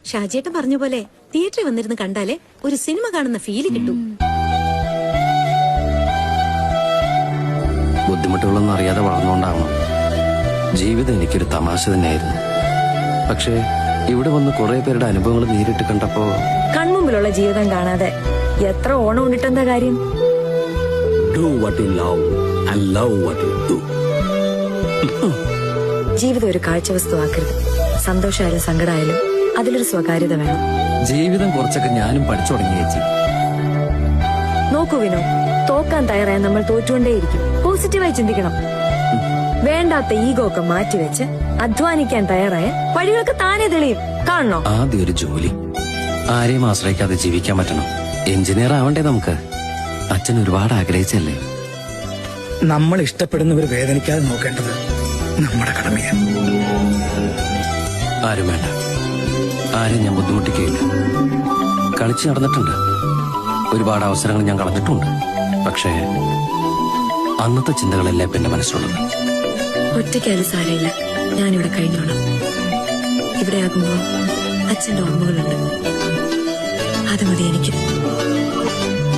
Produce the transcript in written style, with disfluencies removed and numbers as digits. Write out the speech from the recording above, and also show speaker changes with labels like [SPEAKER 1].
[SPEAKER 1] ഷാജിയേട്ടൻ പറഞ്ഞ പോലെ തിയേറ്ററിൽ വന്നിരുന്ന് കണ്ടാലേ ഒരു സിനിമ കാണുന്ന ഫീല് കിട്ടും.
[SPEAKER 2] ബുദ്ധിമുട്ടുകളൊന്നും അറിയാതെ വളർന്നുകൊണ്ടാവണം. ജീവിതം എനിക്കൊരു തമാശ തന്നെയായിരുന്നു. പക്ഷേ ഇവിടെ വന്ന് കുറെ പേരുടെ അനുഭവങ്ങൾ നേരിട്ട് കണ്ടപ്പോ
[SPEAKER 3] കൺമുമ്പിലുള്ള ജീവിതം കാണാതെ എത്ര ഓണം ഉണ്ടിട്ടെന്താ കാര്യം?
[SPEAKER 4] Do what you love and love what you do.
[SPEAKER 3] ജീവിതം ഒരു കാഴ്ച വസ്തുവാക്കരുത്. സന്തോഷമായാലും സങ്കടമായാലും അതിലൊരു സ്വകാര്യത വേണം.
[SPEAKER 2] ജീവിതം കുറച്ചൊക്കെ ഞാനും പഠിച്ചു തുടങ്ങി ചേച്ചി.
[SPEAKER 3] നോക്കൂ വിനോ, തോക്കാൻ തയ്യാറായ നമ്മൾ തോറ്റുകൊണ്ടേയിരിക്കും. പോസിറ്റീവായി ചിന്തിക്കണം. വേണ്ടാത്ത ഈഗോ ഒക്കെ മാറ്റിവെച്ച് അധ്വാനിക്കാൻ തയ്യാറായ വഴികളൊക്കെ താനേ തെളിയും. കാണണോ?
[SPEAKER 2] ആദ്യം ഒരു ജോലി, ആരെയും ആശ്രയിക്കാതെ ജീവിക്കാൻ പറ്റണം. എഞ്ചിനീയർ ആവണ്ടേ നമുക്ക്? അച്ഛൻ ഒരുപാട് ആഗ്രഹിച്ചല്ലേ.
[SPEAKER 5] നമ്മൾ ഇഷ്ടപ്പെടുന്നവർ വേദനിക്കാതെ നോക്കേണ്ടത് നമ്മുടെ കടമയാണ്.
[SPEAKER 2] ആരും വേണ്ട, ആരെയും ഞാൻ ബുദ്ധിമുട്ടിക്കുകയില്ല. കളിച്ച് നടന്നിട്ടുണ്ട്, ഒരുപാട് അവസരങ്ങൾ ഞാൻ കളഞ്ഞിട്ടുണ്ട്. പക്ഷേ അന്നത്തെ ചിന്തകളല്ലേ എന്റെ മനസ്സിലുള്ളത്.
[SPEAKER 3] ഒറ്റയ്ക്കായാലും സാരമില്ല, ഞാനിവിടെ കഴിഞ്ഞോളാം. ഇവിടെ ആകുമ്പോ അച്ഛന്റെ ഓർമ്മകളുണ്ട്, അത് മതി എനിക്ക്.